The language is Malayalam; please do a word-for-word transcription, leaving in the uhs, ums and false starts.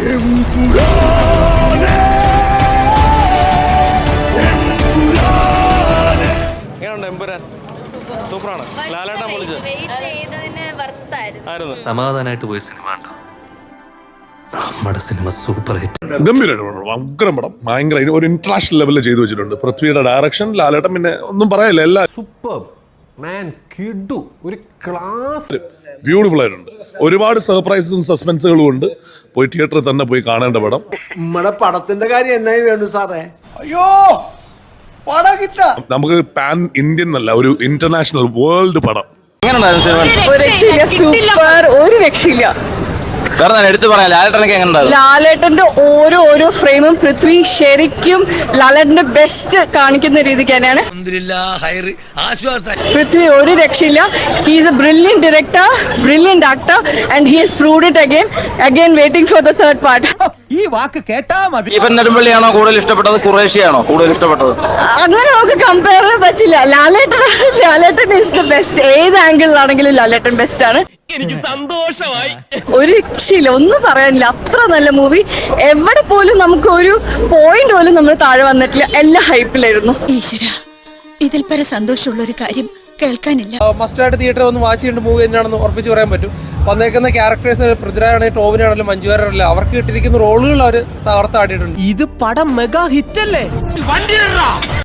സൂപ്പറാണ്. ലാലേട്ടൻ പൊളിച്ച്. സമാധാനമായിട്ട് പോയ സിനിമ ഉണ്ടോ? നമ്മുടെ സിനിമ സൂപ്പർ ഹിറ്റ്. ഗംഭീരമായിട്ട് അഗ്രം പടം, ഭയങ്കര ഒരു ഇന്റർനാഷണൽ ലെവലിൽ ചെയ്തു വെച്ചിട്ടുണ്ട്. പൃഥ്വിയുടെ ഡയറക്ഷൻ, ലാലേട്ടൻ പിന്നെ ഒന്നും പറയല്ല, എല്ലാം സൂപ്പർ മാൻ, കിഡു, ഒരു ക്ലാസ്, ബ്യൂട്ടിഫുൾ ആയിട്ടുണ്ട്. ഒരുപാട് സർപ്രൈസും സസ്പെൻസുകളും ഉണ്ട്. പോയി തിയേറ്ററിൽ തന്നെ പോയി കാണേണ്ട പടം. നമ്മുടെ പടത്തിന്റെ കാര്യം എന്നായി വേണ്ടു സാറേ? അയ്യോ നമുക്ക് പാൻ ഇന്ത്യൻ അല്ല, ഒരു ഇന്റർനാഷണൽ വേൾഡ് പടം. സൂപ്പർ, ഒരു രക്ഷയില്ല. എടുത്തു പറയാം, ലാലേട്ടനൊക്കെ എങ്ങനെ? ലാലേട്ടന്റെ ഓരോ ഓരോ ഫ്രെയിമും പൃഥ്വി ശരിക്കും ലാലേട്ടന്റെ ബെസ്റ്റ് കാണിക്കുന്ന രീതിക്ക് തന്നെയാണ്. പൃഥ്വി ഒരു രക്ഷയില്ല. He is a brilliant director, brilliant actor, and he has proved it again again waiting for the third part. ഈ വാക്ക് കേട്ടാ മതി. സ്റ്റീഫൻ നെടുമ്പള്ളിയാണോ കൂടുതൽ ഇഷ്ടപ്പെട്ടത്, ഖുറേഷിയാണോ കൂടുതൽ ഇഷ്ടപ്പെട്ടത്? അങ്ങനെ നമുക്ക് കമ്പയർ ചെയ്യാൻ പറ്റില്ല. Lalettan Lalettan is the best. ഏത് ആംഗിളിലാണെങ്കിലും ലാലേട്ടൻ ബെസ്റ്റ് ആണ്. എനിക്ക് സന്തോഷമായി. ഒരു രക്ഷയില്ല, ഒന്നും പറയാനില്ല. അത്ര നല്ല മൂവി. എവിടെ പോലും നമുക്ക് ഒരു പോയിന്റ് പോലും നമ്മൾ താഴെ വന്നിട്ടില്ല. എല്ലാം ഹൈപ്പിലായിരുന്നു. ഈശ്വര, ഇതിൽ പര സന്തോഷമുള്ള ഒരു കാര്യം കേൾക്കാനില്ല. മസ്റ്റായിട്ട് തിയേറ്ററിൽ ഒന്ന് വാച്ച് ചെയ്യേണ്ട മൂവി തന്നെയാണെന്ന് ഉറപ്പിച്ച് പറയാൻ പറ്റും. വന്നേക്കുന്ന ക്യാരക്ടേഴ്സ് പൃഥ്വിരാജാണെങ്കിലും ടോവിനാണെങ്കിലും മഞ്ജുവാരാണെങ്കിലും അവർക്ക് കിട്ടിയിരിക്കുന്ന റോളുകൾ അവർ തകർത്താടിയിട്ടുണ്ട്. ഇത് പടം മെഗാ ഹിറ്റ് അല്ലേ?